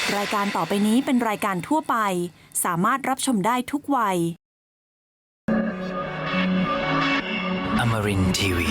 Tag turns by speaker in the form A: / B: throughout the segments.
A: รายการต่อไปนี้เป็นรายการทั่วไปสามารถรับชมได้ทุกวัย
B: Amarin Tiwi.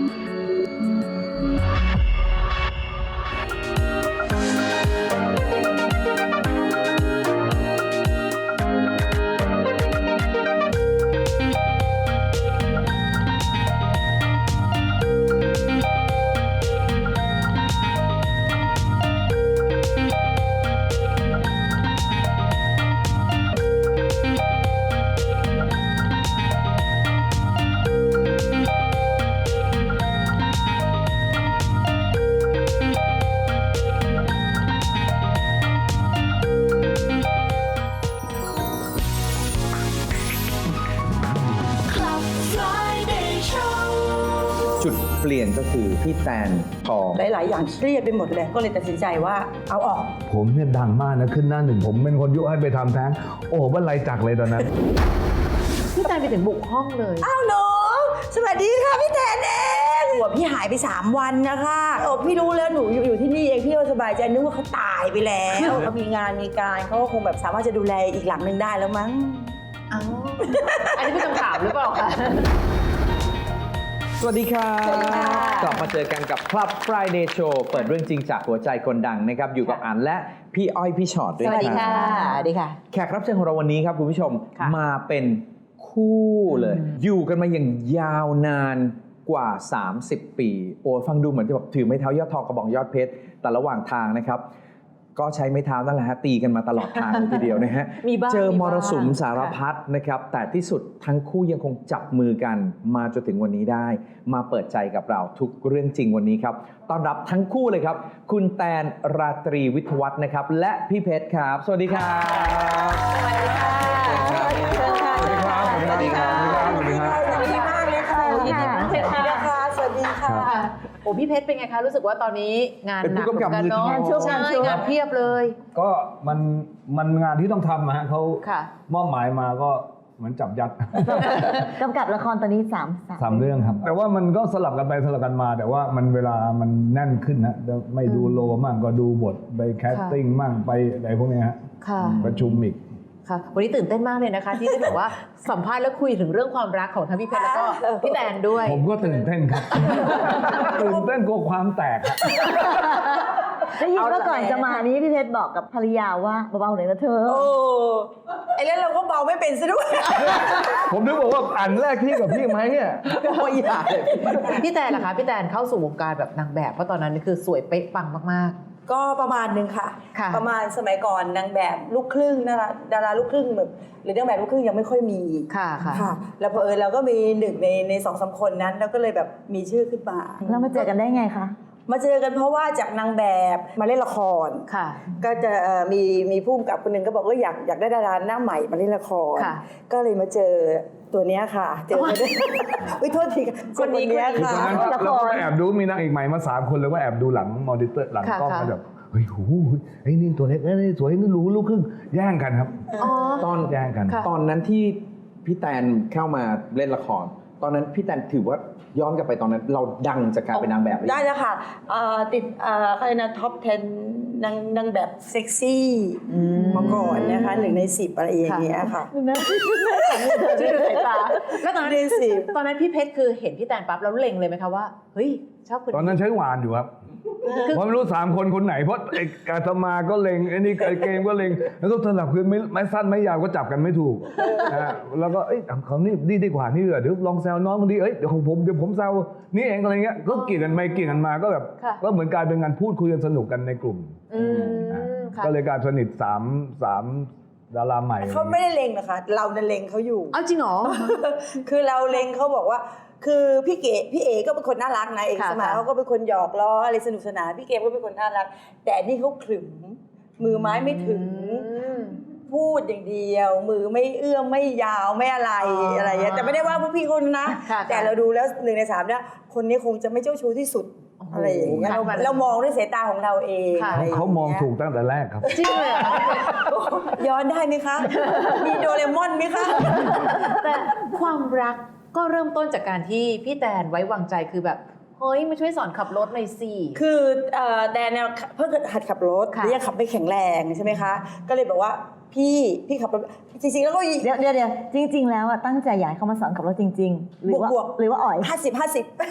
C: จุดเปลี่ยนก็คือพี่แตนทอง
D: หลายๆอย่างเครียดไปหมดเลยก็เลยตัดสินใจว่าเอาออก
E: ผมเนี่ยดังมากนะขึ้นหน้าหนึ่งผมเป็นคนยุให้ไปทำแท้งโอ้โหว่าไรจักเลยตอนนั้น
F: พี่แตนไปถึงบุกห้องเลย
D: อ้าวหนูสวัสดีค่ะพี่แตนเองหัวพี่หายไป3 วันนะคะโอ้พี่รู้แล้วหนูอยู่ที่นี่เองพี่ก็สบายใจนึกว่าเขาตายไปแล้วเขามีงานมีการเขาก็คงแบบสามารถจะดูแลอีกหลังหนึ่งได้แล้วมั้ง
F: อ้าว อันนี้เป็นคำถามหรือเปล่าคะ
C: สวัสดีครับกลับมาเจอกันกับ Club Friday Show เปิดเรื่องจริงจากหัวใจคนดังนะครับอยู่กับอันและพี่อ้อยพี่ชอตด้วย
D: ส
C: ครับ
D: วัสดีค่ะสวัสดีค่ะ
C: แขกรับเชิญของเราวันนี้ครับคุณผู้ชม
D: ค่ะ
C: มาเป็นคู่เลย อยู่กันมาอย่างยาวนานกว่า 30 ปีโอ้ฟังดูเหมือนจะแบบถือไม้เท้ายอดทองกระบองยอดเพชรแต่ระหว่างทางนะครับก็ใช้ไม้เท้านั่นแหละฮะตีกันมาตลอดทางเลยทีเดียวนะฮะ
D: มีบ้าง
C: เจอ
D: มี
C: ม
D: บ้าง
C: รสุมสารพัดนะครับแต่ที่สุดทั้งคู่ยังคงจับมือกันมาจนถึงวันนี้ได้ มาเปิดใจกับเราทุกเรื่องจริงวันนี้ครับต้อนรับทั้งคู่เลยครับคุณแตนราตรีวิทยวัฒน์นะครับและพี่เพชรครับสวัสดีครับ
D: สวัสดีค่ะสวัสดีค่ะ
E: สวัสดีครับ
D: สวัสดีค่ะ
E: สวัสดีครับ
D: สวัสดีมากเลยค่ะ
F: ยินดีมากเลยค่ะ
D: สวัสดีค่ะ
F: ค่ะโอ้พี่เพชรเป็นไงคะ รู้สึกว่าตอนนี้งานหนัก
E: เป็นผู้กำกับ
F: เหมือนกันเนาะ
E: มือทอง
F: ใช่งานเพียบเลย
E: ก็มันงานที่ต้องทำนะฮะเขา
F: ค่ะ
E: มอบหมายมาก็เหมือนจับยัด
G: กำกับละครตอนนี้
E: สามเรื่องครับ แต่ว่ามันก็สลับกันไปสลับกันมา แต่ว่ามันเวลามันแน่นขึ้นนะไม่ดูโลมั่งก็ดูบทไปแคสติ้งมั่งไปอะไรพวกเนี้ยฮะ
F: ค่ะ
E: ประชุมอีก
F: ค่ะ วันนี้ตื่นเต้นมากเลยนะคะ ที่ได้แบบว่าสัมภาษณ์และคุยถึงเรื่องความรักของทั้งพี่เพชรแล้วก็พี่แตนด้วย
E: ผมก็ตื่นเต้นครับ ตื่นเต้นกลัวความแตกอะ
G: ได้ยินว่าก่อนจะมานี้พี่เพชรบอกกับภรรยาว่าเบาๆหน่อยนะเธอ
D: โอ้ไอ้เรื่องเราก็เบาไม่เป็นซะด้วย
E: ผมนึกบอกว่าอันแรกที่กับพี่ไหมเนี่ย
C: ไม่อยากเลย
F: พี่แตนล่ะคะพี่แตนเข้าสู่วงการแบบนางแบบเพราะตอนนั้นนี่คือสวยเป๊ะปังมาก
D: ก็ประมาณนึงค่ะ
F: ค่ะ
D: ประมาณสมัยก่อนนางแบบลูกครึ่งนะคะดาราลูกครึ่งแบบหรือนางแบบลูกครึ่งยังไม่ค่อยมี
F: ๆ ค่ะค่ะ
D: ค่ะ แล้วพอเราก็มีหนึ่งใน2-3 คนนั้นแล้วก็เลยแบบมีชื่อขึ้นมา
G: แล้วมาเจอกันได้ไงคะ
D: มาเจอกันเพราะว่าจากนางแบบมาเล่นละคร
F: ค่ะ
D: ก็จะมีผู้กำกับคนหนึ่งก็บอกว่าอยากได้ดาราหน้าใหม่มาเล่นละคร
F: ค่ะ
D: ก็เลยมาเจอตัวเนี้ยค่ะ เจอมาได้ อุ๊ยโทษทีค่ะเจอคนเนี้ย
E: ต
D: ค่ะ
E: อนนั้นเราก็แอบดูมีนางเอกใหม่มา3 คนแล้วก็แอบดูหลังมอนิเตอร์หลังกล้อง
F: ค่ะ
E: ก็แบบเฮ้ยโหไอ้นี่ตัวเล็กไอ้นี่สวยนี่รู้ลูกครึ่งแย่งกันครับ
F: อ๋อ
C: ตอน
E: แย่งกัน
F: ค่ะ
C: ตอนนั้นที่พี่แตนเข้ามาเล่นละคร ตอนนั้นพี่แตนถือว่าย้อนกลับไปตอนนั้นเราดังจากการเป็นนางแบบหรือยัง
D: ได้แล้วค่ะติดอะไรนะท็อป 10นางแบบเซ็กซี่มาก่อนนะคะ1 ใน 10อะไรอย่างเงี้ยค่ะ
F: ช่วยดูสายตาแล้วตอนนั้น
D: ในสิบ
F: ตอนนั้นพี่เพชรคือเห็นพี่แตนปั๊บแล้วเล็งเลยไหมคะว่าเฮ้ยชอบคน
E: ตอนนั้นใช้หวานอยู่ครับผมไม่รู้3 คนคนไหนเพราะไอ้กาตมาก็เล็งไอ้นี่ไอ้เกมก็เล็งแล้วก็สลับคือไม่สั้นไม่ยาวก็จับกันไม่ถูกแล้วก็เอ้ยเขานี่ดีกว่านี่เดี๋ยวลองแซวน้องคนนี้เอ้ยเดี๋ยวของผมเดี๋ยวผมแซวนี่เองอะไรเงี้ยก็เกี่ยงกันไปเกี่ยงกันมาก็แบบก็เหมือนกลายเป็นงานพูดคุยกันสนุกกันในกลุ่ม
F: ค่ะ
E: ก็เลยกลายสนิทสามดาราใหม่
D: เขาไม่ได้เล็งนะคะเราเนี่ยเล็งเขาอยู่
F: เอาจริงเหรอ
D: คือเราเล็งเขาบอกว่า คือพี่เอ๋ก็เป็นคนน่ารักนะเอก
F: ค่ะ
D: สมัยเขาก็เป็นคนหยอกล้ออะไรสนุกสนานพี่เกมก็เป็นคนน่ารัก แต่นี่เขาขรึมมือไม้ไม่ถึง พูดอย่างเดียว มือไม่เอื้อมไม่ยาวไม่อะไรอะไรอย่างเงี้ยแต่ไม่ได้ว่าพวกพี่คนนะ แต่เราดูแล้ว1 ใน 3เนี่ยคนนี้คงจะไม่เจ้าชู้ที่สุดอะไรอย่างเงี้ยเรามองด้วยสายตาของเราเองอะไรอย่างงี้ย
E: เขามองถูกตั้งแต่แรกครับ
F: จริงเลยเหรอ
D: ย้อนได้ไหมคะ มีโดเรมอนไหมคะ
F: แต่ความรักก็เริ่มต้นจากการที่พี่แตนไว้วางใจคือแบบเฮ้ยมาช่วยสอนขับรถหน่อยสิ
D: คือแดนเนี่ยเพิ่งหัดขับรถ
F: ค่ะ
D: แล้วยังขับไม่แข็งแรงใช่ไหมคะ ก็เลยบอกว่าพี่ขับรถจริงๆแล้วก็
G: เดี๋ยวจริง ๆ แล้วอะตั้งใจอยากให้เขามาสอนขับรถจริง ๆ หรือว่า
D: บวก
G: หรือว่าอ่อย
D: 50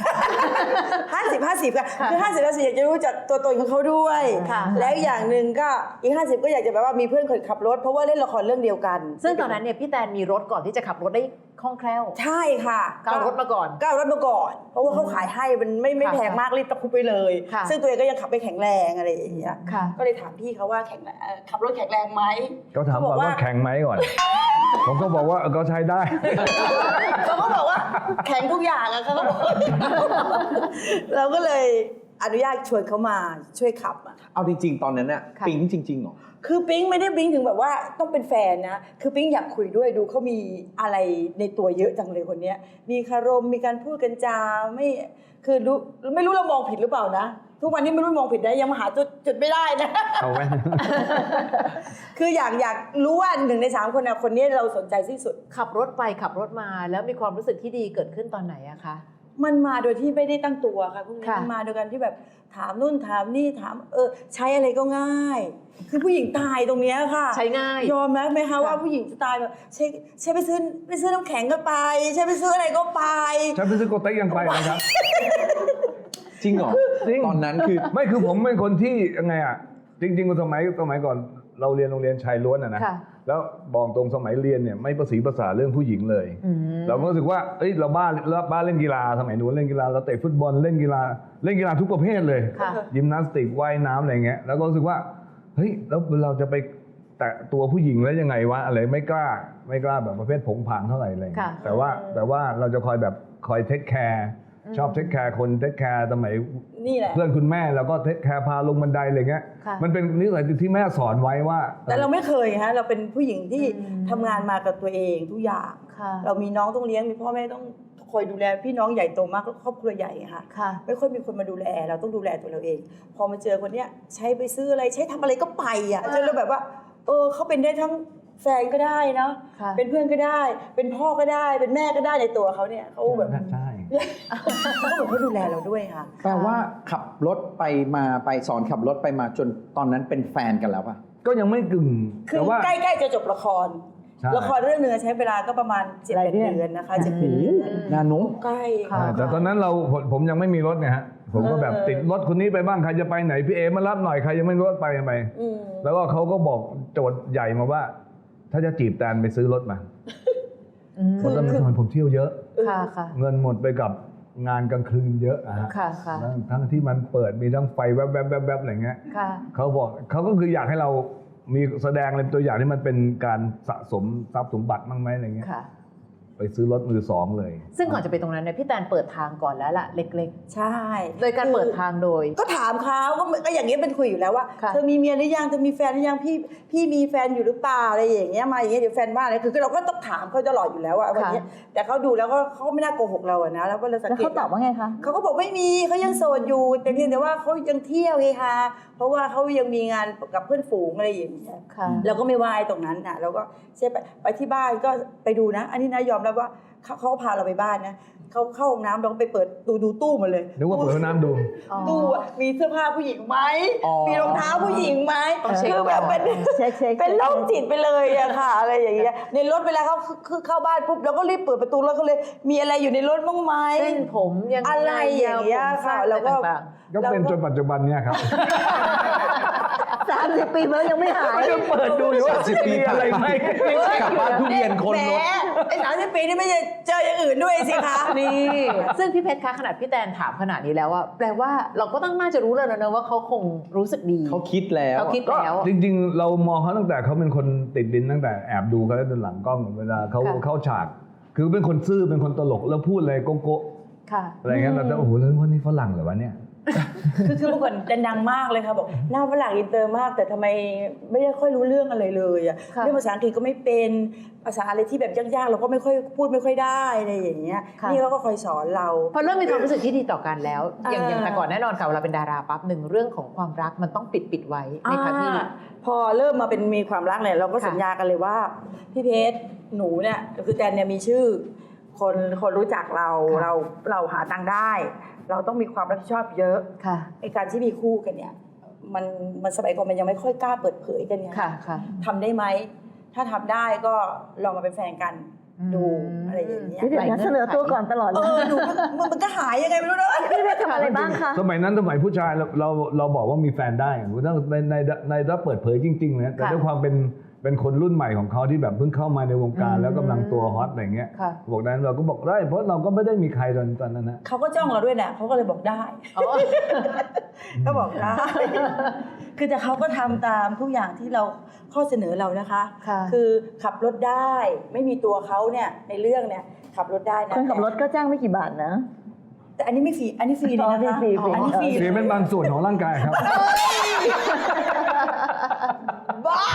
D: 50 ค่ะคือ 50 อยากจะรู้จักตัวตนของเขาด้วย
F: ค่ะ
D: แล้วอย่างหนึ่งก็อีก 50 ก็อยากจะแบบว่ามีเพื่อนเคยขับรถเพราะว่าเล่นละครเรื่องเดียวกัน
F: ซึ่งตอนนั้นเนี่ยพี่แตนมีรถก่อนที่จะขับรถได้คล่องแคล่ว
D: ใช่ค่ะ
F: ก็เอารถมาก่อน
D: ก็เอารถมาก่อน เพราะว่าเขาขายให้มันไม่
F: ค่ะ
D: แพงมากรีบตะคุบไปเลย
F: ค่ะ
D: ซึ่งตัวเองก็ยังขับไม่แข็งแรงอะไรอย่างเงี้ย
F: ค่ะ
D: ก็เลยถามพี่เขาว่าขับรถแข็งแรงไหม
E: ก็ถามก่อนว่าแข็งไหมก่อน ผมก็บอกว่าก็ใช้ได้
D: เขาก็บอกว่าแข็งทุกอย่างอะเขาก็บอกเราก็เลยอนุญาตชวนเขามาช่วยขับอะ
C: เอาจริง ๆ ตอนนั้นน่ะ
F: ค่ะ
C: ปิ๊งจริงๆเหรอ
D: คือปิ๊งไม่ได้ปิ๊งถึงแบบว่าต้องเป็นแฟนนะ คือปิ๊งอยากคุยด้วยดูเขามีอะไรในตัวเยอะจังเลยคนเนี้ย มีคารมมีการพูดกันจาคือไม่รู้เรามองผิดหรือเปล่านะ ทุกวันนี้ไม่รู้มองผิดนะยังมาหาจุดไม่ได้นะ
E: เอาไว้
D: คืออยากรู้ว่า1 ใน 3คนนะคนนี้เราสนใจที่สุด
F: ขับรถไปขับรถมาแล้วมีความรู้สึกที่ดีเกิดขึ้นตอนไหนอะคะ
D: มันมาโดยที่ไม่ได้ตั้งตัวค่ะพวกนี้
F: ค่ะ
D: มันมาโดยการที่แบบถามนู่นถามนี่ถามใช้อะไรก็ง่าย คือผู้หญิงตายตรงเนี้ยค่ะ
F: ใช้ง่าย
D: ยอมไหมคะว่าผู้หญิงจะตายแบบใช้ไปซื้อน้ำแข็งก็ไป ใช้ไปซื้ออะไรก็ไป
E: ฉันไปซื้อโกเต็กยังไปนะครับ
C: จริงเหรอ
E: จริง
C: ตอนนั้นคือ
E: ไม่คือผมเป็นคนที่ยังไงอ่ะจริงๆสมัยก่อนเราเรียนโรงเรียนชายล้วนอ่ะนะ
F: ค่ะ
E: แล้วบอกตรงสมัยเรียนเนี่ยไม่ประสีภาษาเรื่องผู้หญิงเลย เราก็รู้สึกว่าเอ้ยเราบ้าเล่นกีฬาสมัยนู้นเล่นกีฬาเราเตะฟุตบอลเล่นกีฬาทุกประเภทเลย
F: ค่ะ
E: ยิมนาสติกว่ายน้ำอะไรเงี้ยแล้วก็รู้สึกว่าเฮ้ยแล้วเราจะไปแตะตัวผู้หญิงแล้วยังไงวะอะไรไม่กล้าแบบประเภทผงผางเท่าไหร่อะไรเงี้ย
F: ค่ะ
E: แต่ว่าเราจะคอยเทคแคร์ชอบเทคแคร์คนเทคแคร์สมัย
D: นี่แหละ
E: เพื่อนคุณแม่เราก็เทคแคร์พาลงบันไดอะไรเงี้ย
F: ค่ะ
E: มันเป็นนิสัยที่แม่สอนไว้ว่า
D: แต่เราไม่เคยฮะเราเป็นผู้หญิงที่ทำงานมากับตัวเองทุกอย่าง
F: ค่ะ
D: เรามีน้องต้องเลี้ยงมีพ่อแม่ต้องคอยดูแลพี่น้องใหญ่โตมากครอบครัวใหญ่ค่ะ
F: ค่ะ
D: ไม่ค่อยมีคนมาดูแลเราต้องดูแลตัวเราเอง พอมาเจอคนเนี้ยใช้ไปซื้ออะไรใช้ทำอะไรก็ไปอ่ะจนเราแบบว่าเขาเป็นได้ทั้งแฟนก็ได้เนาะ
F: ค่ะ
D: เป็นเพื่อนก็ได้ เป็นพ่อก็ได้ เป็นแม่ก็ได้ในตัวเขาเนี่ยเขาแบบ
E: ใช่
D: เขาเหมือนเขาดูแลเราด้วยค่ะ
C: แปลว่าขับรถไปมาไปสอนขับรถไปมาจนตอนนั้นเป็นแฟนกันแล้วป่ะ
E: ก็ยังไม่กึ่ง
D: คือ
E: แต่ว่า
D: ใกล้ๆจะจบละคร
E: ใช่
D: ละครเรื่องหนึงใช้เวลาก็ประมาณ7 เดือนนะคะ7 เดือน
C: นานุ
D: ใกล้
F: ค่ะ
E: แต่ตอนนั้นผมยังไม่มีรถไงฮะผมก็แบบติดรถคนนี้ไปบ้างใครจะไปไหนพี่เอมารับหน่อยใครยังไม่รู้รถไปกันไป
D: อืม
E: แล้วก็เขาก็บอกโจทย์ใหญ่มาว่า ถ้าจะจีบแตนไปซื้อรถมาเพราะตอนนั้นสมัยผมเที่ยวเยอะ
F: ค่ะค่ะ
E: เงินหมดไปกับงานกลางคืนเยอะอะฮะ
F: ค่ะค่ะ
E: ทั้งที่มันเปิดมีทั้งไฟแวบๆอะไรเงี้ย
F: ค่ะ
E: เขาก็คืออยากให้เรามีแสดงเป็นตัวอย่างที่มันเป็นการสะสมทรัพย์สมบัติบ้างไหมอะไรเงี้ย
F: ค่ะ
E: ไปซื้อรถมือสองเลย
F: ซึ่งก่อนจะไปตรงนั้นเนี่ยพี่แตนเปิดทางก่อนแล้วล่ะเล็ก
D: ใช่
F: ๆ โดยการเปิดทางโดย
D: ก็ถามเขาก็อย่างเงี้ยเป็นคุยอยู่แล้วว่า
F: ค่ะ
D: เธอมีเมียหรือยังเธอมีแฟนหรือยังพี่มีแฟนอยู่หรือเปล่าอะไรอย่างเงี้ยมาอย่างเงี้ยเดี๋ยวแฟนว่าอะไรคือเราก็ต้องถามเขาตลอดอยู่แล้วอะวันเนี้ยแต่เขาดูแล้วก็เขาไม่น่าโกหกเราอะนะแล้วก็เราสัง
G: แล้ว
D: เกต
G: เขาตอบว่าไงคะ
D: เขาก็บอกไม่มีเขายังโสดอยู่ แต่เพียงแต่ว่าเขายังเที่ยวไงคะเพราะว่าเขายังมีงานกับเพื่อนฝูงอะไรอย่างเงี้ย
F: ค่ะ
D: เราก็ไม่วายตรงนั้นนะเราก็ใช่ไปที่บ้านก็ไปดูนะ อันนี้นะยอมรับว่าเขาก็พาเราไปบ้านนะเขาเข้าห้องน้ำเราก็ไปเปิดดูตู้มาเลย
E: นึกว่าเปิดห้องน้ำดู
D: ตู้อะมีเสื้อผ้าผู้หญิงไหม
C: อ๋อ
D: มีรองเท้าผู้หญิงไหม
F: ต้องเช็ค
D: คือแบบเป็น
G: เช็ค
D: เป็นโรคจิตไปเลยอะค่ะ อะไรอย่างเงี้ยในรถเวลาเขาคือเข้าบ้านปุ๊บเราก็รีบเปิดประตูแล้วก็เลยมีอะไรอยู่ในรถบ้างไหม
F: เส้นผมยัง
D: อะไรอย่างเงี้ยค่ะแล้วก็
F: ต่าง
E: ก็เป็นจนปัจจุบันเนี่ยครับ
G: 30 ปีแล้วยังไม่หาย
E: ก็เปิดดูอยู่ว่า
C: 30 ปี
E: มีอะไรไหม
C: กลับบ้านทุเรียนคนรถ
D: แหมไอ้30 ปีนี่ไม่จะเจออย่างอื่นด้วยสิคะ
F: ๆนี่ซึ่งพี่เพชรคะขนาดพี่แตนถามขนาดนี้แล้วว่าแปลว่าเราก็ต้องน่าจะรู้แล้วนะว่าเขาคงรู้สึกดี
C: เขาคิดแล้ว
F: เขาคิด
E: ก็
F: แล้ว
E: จริงๆ เรามองเขาตั้งแต่เขาเป็นคนติดดินตั้งแต่แอบดูเขาแล้วจนหลังกล้องเวลาเขา
F: ค่ะ
E: เข้าฉาก คือเป็นคนซื่อเป็นคนตลกแล้วพูดอะไรโก๊ะ
F: ค่ะ
E: ๆอะไรเงี้ยเราจะโอ้โหแล้ววันนี้ฝรั่งเหรอวะเนี่ย
D: คือเมื่อก่อนดังมากเลยค่ะบอกหน้าฝรั่งอินเตอร์มาก แต่ทำไมไม่ได้ค่อยรู้เรื่องอะไรเลยอะ
F: ค่ะ
D: เรื่องภาษาอังกฤษก็ไม่เป็นภาษาอะไรที่แบบยากๆเราก็ไม่ค่อยพูดไม่ค่อยได้อะไรอย่างเงี้ย
F: ค่ะ
D: นี่เขาก็คอยสอนเรา
F: พอเริ่มมีความรู้สึกที่ดีต่อกันแล้ว อย่าง
D: อ่า
F: แต่ก่อนแน่นอนค่ะเวลาเป็นดาราปั๊บหนึ่งเรื่องของความรักมันต้องปิดไว้ในคะพี่
D: พอเริ่มมาเป็นมีความรักเนี่ยเราก็
F: ค่ะ
D: สัญญากันเลยว่าพี่เพชรหนูเนี่ยคือแตนเนี่ยมีชื่อคนรู้จักเรา
F: ค่ะ
D: เราหาตังค์ได้ เราต้องมีความรับผิดชอบเยอะ
F: ค่ะ
D: ไอการที่มีคู่กันเนี่ยมันสมัยก่อนมันยังไม่ค่อยกล้าเปิดเผยกันไง
F: ค่ะค่ะ
D: ทำได้ไหมถ้าทำได้ก็ลองมาเป็นแฟนกันดูอะไรอย่างเงี้ย
G: เดี๋ยวนะเสนอตัวก่อนตลอดเลย
D: หนูมันก็หายยังไงไม่รู้นะ
G: พี่เพชรทำอะไรบ้างคะ
E: สมัยนั้นสมัยผู้ชายเราบอกว่ามีแฟนได้ถ้าในถ้าเปิดเผยจริงๆนะแต่
F: ค่ะ
E: ด้วยความเป็นคนรุ่นใหม่ของเขาที่แบบเพิ่งเข้ามาในวงการแล้วกำลังตัวฮอตอะไรเงี้ย
F: ค่ะ
E: บอกนั้นเราก็บอกได้เพราะเราก็ไม่ได้มีใครตอนนั้นนะ
D: เขาก็จ้องเราด้วยนะเขาก็เลยบอกได้
F: อ๋อ
D: ก็บอกได้ คือแต่เขาก็ทำตามทุกอย่างที่เราข้อเสนอเรานะคะ
F: ค่ะ
D: คือขับรถได้ไม่มีตัวเขาเนี่ยในเรื่องเนี่ยขับรถได้นะ
G: คนขับรถก็จ้างไม่กี่บาทนะ
D: แต่อันนี้ไม่ฟรีอันนี้ฟรีเลยนะคะ
G: ฟรี
D: อันนี้ฟรี
E: เสียเป็นบางส่วนของร่างกายครับ
D: บ้า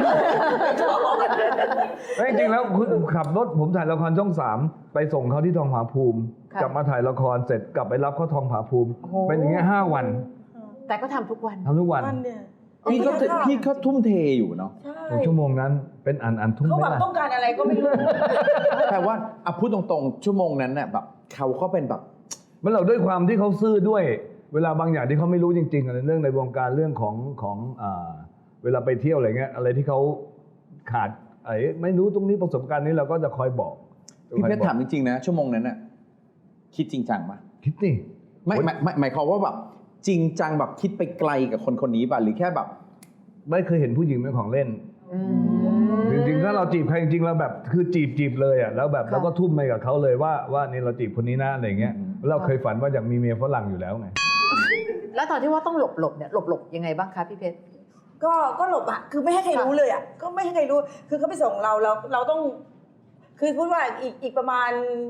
E: เฮ้ยจริงๆแล้วคุณขับรถผมถ่ายละครช่อง 3 ไปส่งเขาที่ทองผาภูมิ
F: ค่ะ
E: กลับมาถ่ายละครเสร็จกลับไปรับเขาทองผาภูมิ
F: โอ้โห
E: เป็นอย่างเงี้ย5 วัน
F: แต่ก็ทำทุกวัน
E: ทำทุกวัน
D: มันเนี่ย
C: พี่ก็ทุ่มเทอยู่เนาะ
D: ใช่
E: ชั่วโมงนั้นเป็นอันทุ่ม
D: เขา
E: ไม่
D: แบบ
E: ละ
D: ต้องการอะไรก็ไม่รู้
C: แต่ว่าพูดตรงๆชั่วโมงนั้นเนี่ยแบบเขาก็เป็นแบบ
E: มันเราด้วยความที่เขาซื่อด้วย เวลาบางอย่างที่เขาไม่รู้จริงๆอะไรเรื่องในวงการเรื่องของเวลาไปเที่ยวอะไรเงี้ยอะไรที่เขาขาดไม่รู้ตรงนี้ประสบการณ์นี้เราก็จะคอยบอก
C: พี่เพชรถามจริงๆนะชั่วโมงนั้นน่ะคิดจริงจังปะ
E: คิดนี่
C: ไม่หมายความว่าแบบจริงจังแบบคิดไปไกลกับคนคนนี้ป่ะหรือแค่แบบ
E: ไม่เคยเห็นผู้หญิงเป็นของเล่น
F: อืม
E: จริงๆถ้าเราจีบใครจริงๆเราแบบคือจีบเลยอ่ะแล้วแบบ
F: ค่ะ
E: เราก็ทุ่มไปกับเขาเลยว่านี่เราจีบคนนี้นะอะไรเงี้ยเราเคยฝันว่าอยากมีเมียฝรั่งอยู่แล้วไง
F: แล้วตอนที่ว่าต้องหลบเนี่ยหลบยังไงบ้างคะพี่เพชร
D: ก็หลบอ่ะคือไม่ให้ใครรู้เลยอ่ะก็ไม่ให้ใครรู้คือเขาไปส่งเราต้อง คือพูดว่าอีกประมาณ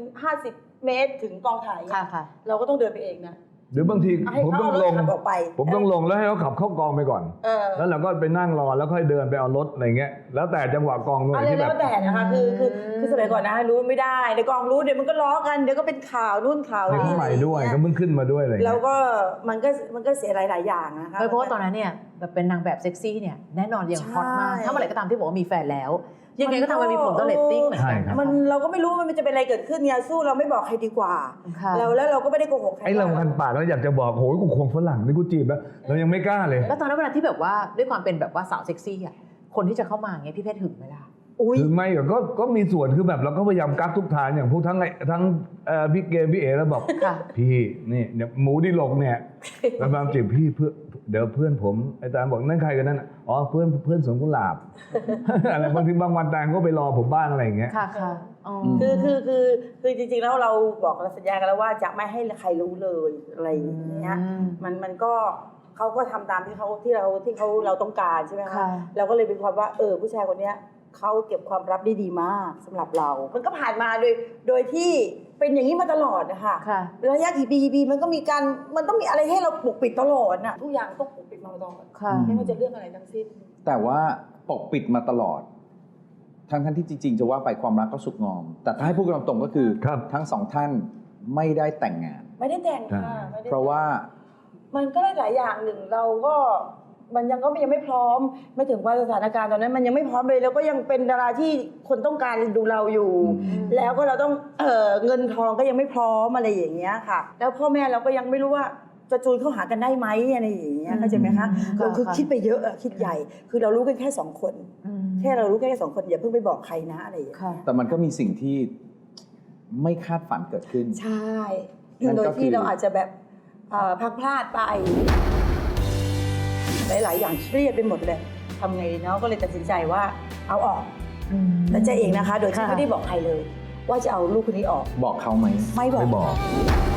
D: 50 เมตรถึงกองถ่าย
F: ค่ะค่ะ
D: เราก็ต้องเดินไปเองนะ
E: หรือบางที
D: ให้
E: ผม
D: เขา
E: ต้อง
D: เอาร
E: ล
D: ถ
E: ง
D: ขับออกไป
E: ผมต้องลงแล้วให้เขาขับเข้ากองไปก่อน แล้วเราก็ไปนั่งรอแล้วค่อยเดินไปเอารถอะไรเงี้ยแล้วแต่จังหวะกองด้วย
D: อะไร
E: ที่แบ
D: แล้
E: บ
D: วแต่นะคะคือสมัยก่อนนะรู้ไม่ได้เดี๋ยวกองรู้เดี๋ยวมันก็ล้อกันเดี๋ยวก็เป็นข่าวนู่นข่าว
E: เด็ก
D: นี่
E: ใหม่ด้วย
D: อะไรอ
E: ก็
D: างเงี้
E: เพิ่งขึ้นมาด้วยอะไร
D: แล้ว
E: เงี้ย
D: ก็มันก็เสียหลายอย่างนะคะ
F: เพราะว่าตอนนั้นเนี่ยแบบเป็นนางแบบเซ็กซี่เนี่ยแน่นอนยังฮอตมาก
D: ใช่
F: ถ้าเมื่อไหร่ก็ตามที่บอกว่ามีแฟนแล้ว ยังไงก็ทำให้มีผลต่อเรตติ้งเหมือน
E: ใช่
F: กัน
E: ครับ
F: นะ
D: มันเราก็ไม่รู้ว่ามันจะเป็นอะไรเกิดขึ้นเนี่ยสู้เราไม่บอกใครดีกว่า
F: ค่ะ
D: แล้วเราก็ไม่ได้โกหกใคร
E: ไอ้เราคันปากแล้วอยากจะบอกโหยกูควงฝรั่งนี่กูจีบแล้วเรายังไม่กล้าเลย
F: แล้วตอนนั้นเวลาที่แบบว่าด้วยความเป็นแบบว่าสาวเซ็กซี่อ่ะคนที่จะเข้ามาเงี้ยพี่เพชรหึงไหมล่ะ
D: อุ้ย
E: ถึงไม่ก็มีส่วนคือแบบเราก็พยายามกักทุกทางอย่างพวกทั้งพี่เกมพี่เอ๋แล้วบอก
F: ค่ะ
E: พี่นี่เนี่ยหมูดิลกเนี่ยแล้วบางจีบพี่เพื่อเดี๋ยวเพื่อนผมอาจารย์บอกนั่นใครกันนั่นอ๋อเพื่อนสวนกุหลาบ อะไรบางทีบางวันแตงก็ไปรอผมบ้างอะไรอย่างเงี้ย
F: ค่ะค่ะอ๋อ
D: คือจริงๆแล้วเราบอกเราสัญญากันแล้วว่าจะไม่ให้ใครรู้เลยอะไรอย่างเงี้ยมันก็เขาก็ทำตามที่เราต้องการใช่ไหมคะ
F: ค่ะ
D: เราก็เลยเป็นความว่าผู้ชายคนเนี้ยเขาเก็บความลับได้ดีมากสำหรับเรา มันก็ผ่านมาโดยที่เป็นอย่างนี้มาตลอดนะคะ
F: ค่ะ
D: ระยะกี่ปีมันต้องมีอะไรให้เราปกปิดตลอดน่ะทุกอย่างต้องปกปิดมาตลอด
F: ค่ะ
D: ไม่ว่าจะเรื่องอะไรทั้งสิ้น
C: แต่ว่าปกปิดมาตลอด ทั้งที่จริงๆจะว่าไปความรักก็สุกงอม แต่ถ้าให้พูดกันตรงๆก็คือ
E: ครับ
C: ทั้งสองท่านไม่ได้แต่งงาน
D: ไม่ได้แต่งค่ะไม่ได้แต่ง
C: เพราะว่า
D: มันก็ได้หลายอย่างหนึ่งเราก็มันยังไม่พร้อมไม่ถึงว่าสถานการณ์ตอนนั้นมันยังไม่พร้อมเลยแล้วก็ยังเป็นดาราที่คนต้องการดูเราอยู่ แล้วก็เราต้องเงินทองก็ยังไม่พร้อมอะไรอย่างเงี้ยค่ะ แล้วพ่อแม่เราก็ยังไม่รู้ว่าจะจูนเข้าหากันได้ไหมอะไรอย่างเงี้ยเข้าใจไหมคะเราคือคิดไปเยอะคิดใหญ่ คือเรารู้กันแค่2 คน แค่เรารู้แค่2 คนอย่าเพิ่งไปบอกใครนะอะไรอย่างเงี้ย
F: ค่ะ
C: แต่มันก็มีสิ่งที่ไม่คาดฝันเกิดขึ้น
D: ใช่
C: นั่น
D: โดย
C: ก็คือ
D: ที่เราอาจจะแบบพลังพลาดไป หลายๆอย่างเครียดไปหมดเลยทำไงดีเนาะก็เลยตัดสินใจว่าเอาออกแล้วใจเองนะคะ โดยที่ไม่ได้บอกใครเลย ว่าจะเอาลูกคนนี้ออก
C: บอกเขาไหม
D: ไม่บอก
E: ไม่บอก